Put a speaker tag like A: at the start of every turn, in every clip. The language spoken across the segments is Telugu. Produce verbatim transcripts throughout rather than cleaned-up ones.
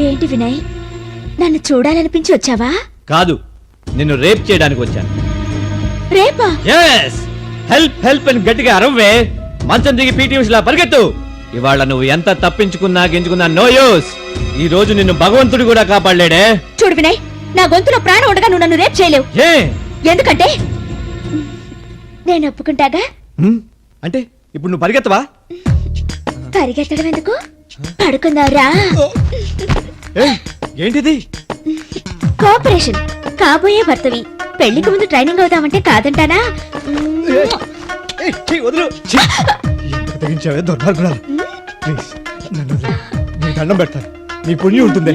A: ఏంటి వినయ్, నన్ను చూడాలనిపించి వచ్చావా?
B: కాదు, నిన్ను రేప్ చేయడానికి వచ్చాను.
A: రేపా?
B: yes హెల్ప్ హెల్ప్ అని గట్టిగా అరవే. మంచం దిగి పీటీ ఉషలా పరిగెత్తు. ఇవాళ నువ్వు ఎంత తప్పించుకున్నా గించుకున్నా నో యూస్. ఈ రోజు నిన్ను భగవంతుడు కూడా కాపాడలేడే.
A: చూడు వినయ్, నా గొంతులో ప్రాణం ఉండగా నువ్వు నన్ను రేప్ చేయలేవు.
B: ఏ
A: ఎందుకంటే నేను ఒప్పుకుంటాగా.
B: అంటే ఇప్పుడు నువ్వు పరిగెత్తవా?
A: పరిగెత్తడం ఎందుకు, పడుకుందావురా.
B: ఏంటిది?
A: కోఆపరేషన్. కాబోయే భర్తవి, పెళ్లికి ముందు ట్రైనింగ్ అవుతామంటే కాదంటానా?
B: దండం పెడతాను, నీ పుణ్యం ఉంటుంది.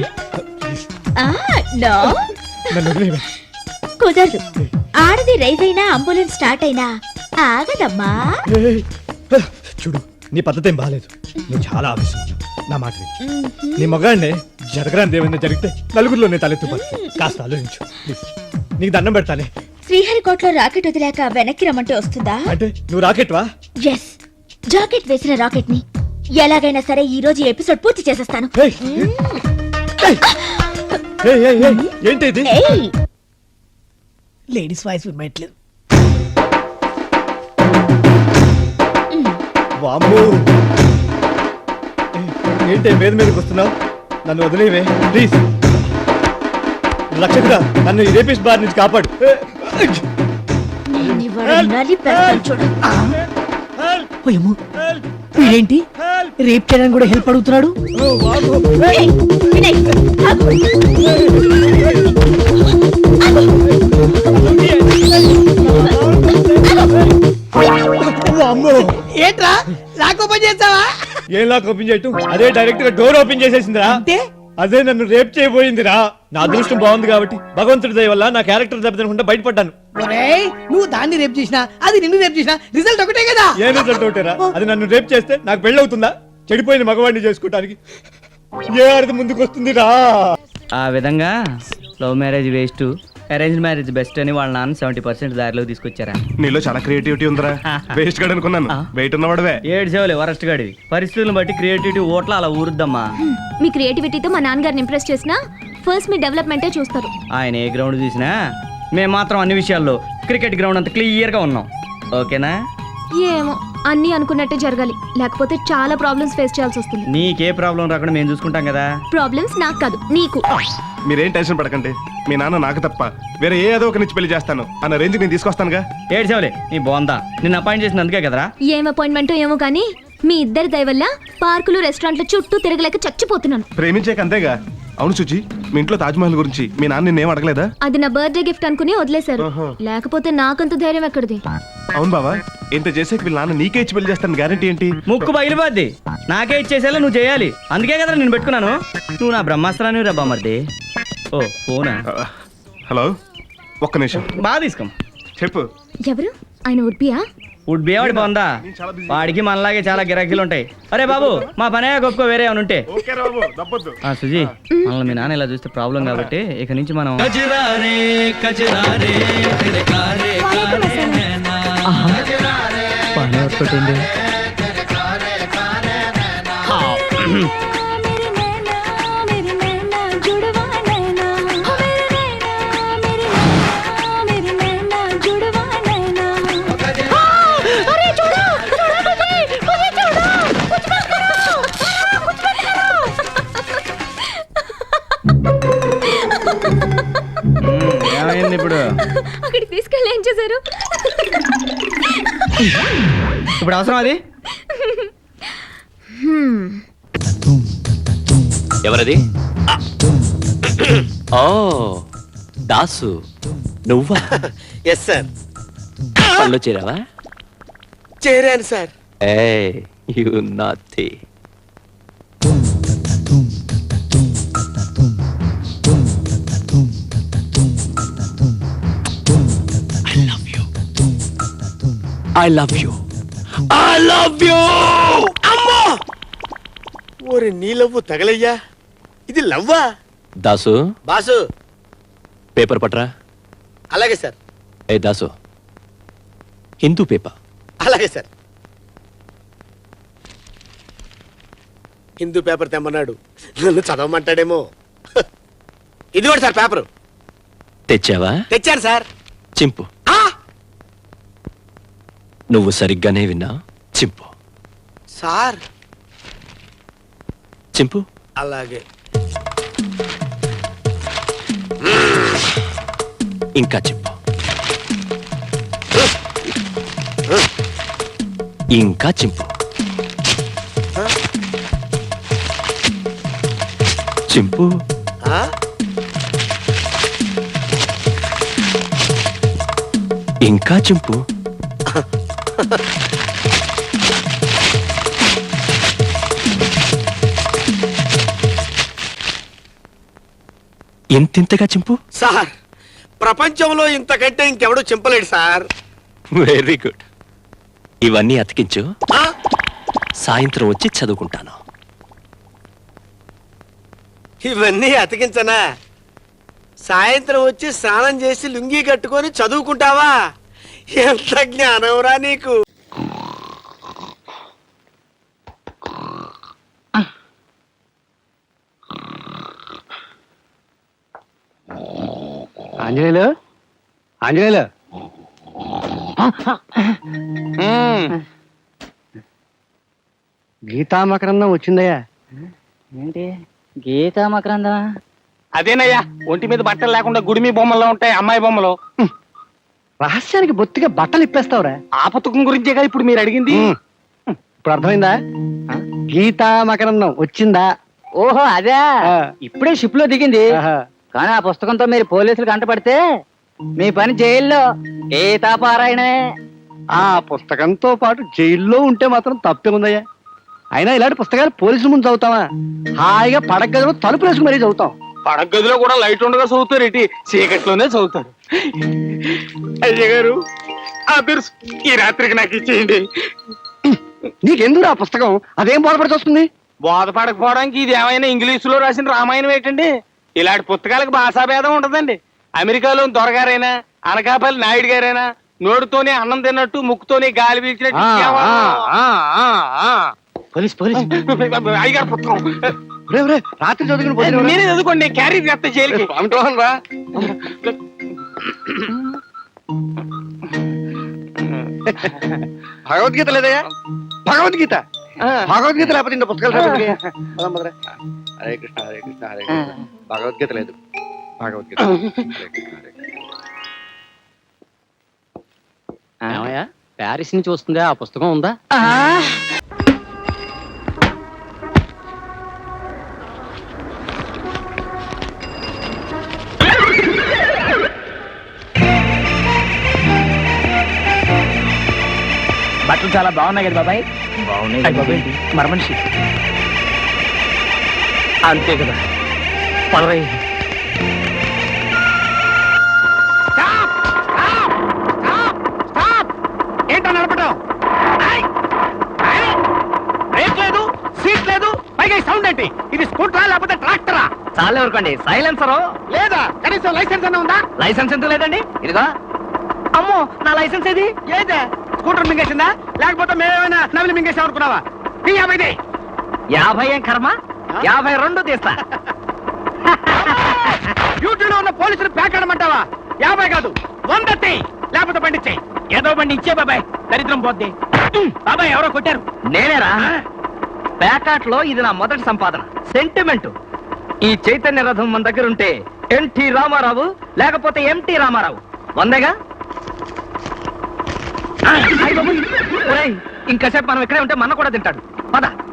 A: కుదరదు. ఆడది రైజ్ అయినా అంబులెన్స్ స్టార్ట్ అయినా ఆగదమ్మా.
B: చూడు, నీ పద్ధతి ఏం బాగాలేదు. నువ్వు చాలా ఆవేశం. నా మాట నీ మగాడినే జరగరాని ఏమైనా జరిగితే నలుగురిలో నేను తలెత్తు. కాస్త ఆలోచించు ప్లీజ్. నీకు దండం పెడతానే.
A: శ్రీహరికోటలో రాకెట్ వదిలేక వెనక్కి రమ్మంటే వస్తుందా?
B: అంటే నువ్వు రాకెట్ వా?
A: ఎస్, జాకెట్ వేసిన రాకెట్ ని ఎలాగైనా సరే ఈ రోజు ఎపిసోడ్ పూర్తి చేసేస్తాను.
B: ఏంటి ఇది?
C: లేడీస్ వాయిస్ వినట్లేదు.
B: ఏంటి మీద మీదకి వస్తున్నావు? నన్ను వదిలేవే ప్లీజ్. లక్షకురా, నన్ను ఈ రేపిస్ట్ బార్ నుంచి కాపాడు.
C: ఏంటి రేప్ చేయడానికి కూడా హెల్ప్ అడుగుతున్నాడు? ఏంట్రా లాక్ ఓపెన్ చేస్తావా?
B: ఏం లాక్ ఓపెన్ చేయటం? అదే డైరెక్ట్ గా డోర్ ఓపెన్ చేసేసిందిరా. అదే నన్ను రేప్ చేయబోయిందిరా. నా అదృష్టం బాగుంది కాబట్టి భగవంతుడి దయ వల్ల నా క్యారెక్టర్ దెబ్బతినకుండా బయటపడ్డాను.
C: నువ్వు దాన్ని రేప్ చేసినా అది నిన్ను రేప్ చేసినా రిజల్ట్ ఒకటే కదా.
B: ఏ రిజల్ట్ ఒకటేరా? అది నన్ను రేప్ చేస్తే నాకు పెళ్లి అవుతుందా? చెడిపోయిన మగవాడిని చేసుకోవడానికి ఏ అర్థం ముందుకు వస్తుంది రా?
D: ఆ విధంగా love marriage waste, arrange marriage best అని వాళ్ళ నాన్న సెవెంటీ పర్సెంట్ దారిలో తీసుకొచ్చారా?
E: నీలో చాలా క్రియేటివిటీ ఉందిరా. వేస్ట్ గాడు అనుకున్నాను, వెయిట్ ఉన్నవాడవే.
D: ఏడు సేవలే వరస్ట్ గాడివి. పరిస్థితులను బట్టి క్రియేటివిటీ ఓట్ల అలా ఊరుద్దమ్మా.
F: మీ క్రియేటివిటీతో మా నాన్నగారిని ఇంప్రెస్ చేసినా ఫస్ట్ మీ డెవలప్మెంటే చూస్తారు.
D: ఆయన ఏ గ్రౌండ్ చూసినా మేము మాత్రం అన్ని విషయాల్లో క్రికెట్ గ్రౌండ్ అంత క్లియర్ గా ఉన్నాం. ఓకేనా?
F: ఏమో అన్ని అనుకున్నట్టే జరగాలి, లేకపోతే చాలా ప్రాబ్లమ్స్ ఫేస్ చేయాల్సి వస్తుంది.
D: నీకే ప్రాబ్లం రాకుండా మేము చూసుకుంటాం కదా.
F: ప్రాబ్లమ్స్ నాకు కాదు, నీకు.
E: మీరేం టెన్షన్ పడకండి. మీ నాన్న నాకు తప్ప వేరే ఏ ఏదో ఒక నుంచి పెళ్లి చేస్తాను అన్న రేంజ్ నేను తీసుకొస్తానుగా.
D: ఏడు సేవలే నీ బాగుందా? నిన్ను అపాయింట్ చేసిన అందుకే కదరా.
F: ఏం అపాయింట్మెంట్ ఏమో కానీ మీ ఇద్దరి దయ వల్ల పార్కులు రెస్టారెంట్ల చుట్టూ తిరగలేక చచ్చిపోతున్నాను.
E: ప్రేమించాక అంతేగా. అవును సుచి, మీ ఇంట్లో తాజ్మహల్ గురించి మీ నాన్న నిన్నేం అడగలేదా?
F: అది నా బర్త్డే గిఫ్ట్ అనుకుని వదిలేశారు. లేకపోతే నాకంత ధైర్యం ఎక్కడిది?
E: అవును బావా, ఇంత చేసాక వీళ్ళ నాన్న నీకే ఇచ్చి పెళ్లి చేస్తాను గ్యారంటీ ఏంటి?
D: ముక్కు బయలుపోద్ది. నాకే ఇచ్చేసేలా నువ్వు చేయాలి. అందుకే కదా నేను పెట్టుకున్నాను. నువ్వు నా బ్రహ్మాస్త్రాన్ని రబ్బా మరిది. ఓ ఫోనా?
E: హలో, ఒక్క నిమిషం.
D: బాగా తీసుకో.
E: చెప్పు.
F: ఎవరు ఆయన? ఉడ్బియా?
D: ఉడ్ బియావాడి బాగుందా? వాడికి మనలాగే చాలా గిరాకీలు ఉంటాయి. అరే బాబు, మా పనే గొప్ప వేరే ఏమైనా ఉంటే. సుజీ, మనల్ని మీ నాన్న ఇలా చూస్తే ప్రాబ్లం కాబట్టి ఇక నుంచి మనం పని వర్కౌట్. ఏమైంది ఇప్పుడు?
F: అక్కడికి తీసుకెళ్ళి ఏం చేశారు?
D: ఇప్పుడు అవసరం అది?
G: ఎవరది? ఓ దాసు, నువ్వా?
H: Yes sir.
G: పనిలో చేరావా?
H: చేరాను సార్.
G: ఏయ్ you naughty. I love you. I love you.
H: అమ్మో! ఓరి నీ లవ్వు తగలయ్యా. ఇది లవ్వా?
G: దాసు,
H: బాసు.
G: పేపర్ పట్రా.
H: అలాగే సార్.
G: ఏ దాసు, హిందూ పేపర్.
H: అలాగే సార్. హిందూ పేపర్ తెమ్మన్నాడు, నన్ను చదవమంటాడేమో. ఇది కూడా సార్ పేపరు
G: తెచ్చావా?
H: తెచ్చాను సార్.
G: చింపు.
H: ఆ!
G: నువ్వు సరిగ్గానే విన్నా. చింపు.
H: సార్
G: చింపు.
H: అలాగే.
G: ఇంకా చింపు. ఇంకా చింపు. చింపు.
H: ఆ?
G: ఇంకా చింపు. ఎంతెంతగా చింపు.
H: సార్ ప్రపంచంలో ఇంతకంటే ఇంకెవడూ చింపలేడు సార్.
G: Very good. ఇవన్నీ అతికించు.
H: ఆ?
G: సాయంత్రం వచ్చి చదువుకుంటాను.
H: ఇవన్నీ అతికించనా? సాయంత్రం వచ్చి స్నానం చేసి లుంగీ కట్టుకొని చదువుకుంటావా? ఎంత జ్ఞానంరా నీకు.
C: ఆంజనేయులు ఆంజనేయులు గీతామకరందం వచ్చిందయ్యా.
I: ఏంటి గీతా మకరందా?
C: అదేనయ్యా, ఒంటి మీద బట్టలు లేకుండా గుడిమి బొమ్మల్లో ఉంటాయి అమ్మాయి బొమ్మలు. రహస్యానికి బొత్తిగా బట్టలు ఇప్పేస్తావురా. ఆ పుస్తకం గురించేగా ఇప్పుడు మీరు అడిగింది. ఇప్పుడు అర్థమైందా? గీతా మకరందం వచ్చిందా?
I: ఓహో అదే,
C: ఆ.
I: ఇప్పుడే షిప్ లో దిగింది.
C: ఆహా.
I: కానీ ఆ పుస్తకంతో మీరు పోలీసులు కంటపడితే మీ పని జైల్లో గీతా పారాయణమే.
C: ఆ పుస్తకంతో పాటు జైల్లో ఉంటే మాత్రం తప్పే ఉందయ్యా. అయినా ఇలాంటి పుస్తకాలు పోలీసుల ముందు చదువుతావా? హాయిగా పడక గదిలో తలుపు వేసుకుని మరీ చదువుతాం. పడక గదిలో కూడా లైట్ ఉండగా చదువుతారు, ఇటు చీకట్లోనే చదువుతారు. అయ్య గారు ఆ బిర్స్ ఈ రాత్రికి నాకు ఇచ్చేయండి. నీకెందుకు ఆ పుస్తకం? అదేం బోధపడి వస్తుంది? బోధపడకపోవడానికి ఇది ఏమైనా ఇంగ్లీష్ లో రాసిన రామాయణం ఏంటండి? ఇలాంటి పుస్తకాలకు భాషాభేదం ఉండదండి. అమెరికాలో దొరగారైనా అనకాపల్లి నాయుడు గారైనా నోటితోనే అన్నం తిన్నట్టు ముక్కుతోనే గాలి పీల్చినట్టు పోలీస్ పోలీస్ అయ్యగారు పుస్తకం రాత్రి చదువుకుని మీరే చదువుకోండి, క్యారీ చేస్తా జైలుకి. రా భగవద్గీత లేదయ్యా? భగవద్గీత భగవద్గీత లేకపోతే ఇంత పుస్తకాలు హరే కృష్ణ హరే కృష్ణ హరే కృష్ణ. భగవద్గీత లేదు. భగవద్గీత
I: ప్యారిస్ నుంచి వస్తుందా? ఆ పుస్తకం ఉందా?
D: బట్టలు చాలా బాగున్నాయి కదా బాబాయ్? బాగున్నాయి బాబాయ్. మర మనిషి అంతే కదా. పదవై
C: ఏంటో నడపడం? బ్రేక్ లేదు, సీట్ లేదు, పైగా ఈ సౌండ్ ఏంటి? ఇది స్కూటరా లేకపోతే ట్రాక్టరా?
D: చాలా ఎవరికండి సైలెన్సర్
C: లేదా కనీసం లైసెన్స్ అన్న ఉందా?
D: లైసెన్స్ ఎంత లేదండి. ఇదిగో అమ్మో నా లైసెన్స్ ఏది?
C: ఏదే స్కూటర్ మింగేసిందా లేకపోతే మేమేమైనా నవిలి మింగేసాం అనుకున్నావా? ఈ యాభైది
D: యాభై ఏం కర్మ, యాభై రెండు తీస్తా.
C: డ్యూటీలో ఉన్న పోలీసులు పేకాడమంటావా? యాభై కాదు వంద తీ, లేకపోతే బండి ఇచ్చేయి. ఏదో బండి ఇచ్చే బాబాయ్, దరిద్రం పోద్ది. బాబాయ్ ఎవరో కొట్టారు.
D: నేనేరా? ప్యాకాట్ లో ఇది నా మొదటి సంపాదన, సెంటిమెంట్. ఈ చైతన్య రథం మన దగ్గర ఉంటే ఎన్టీ రామారావు లేకపోతే ఎంటీ రామారావు వందేగా. ఇంకాసేపు మనం ఇక్కడే ఉంటే మన కూడా తింటాడు. పద.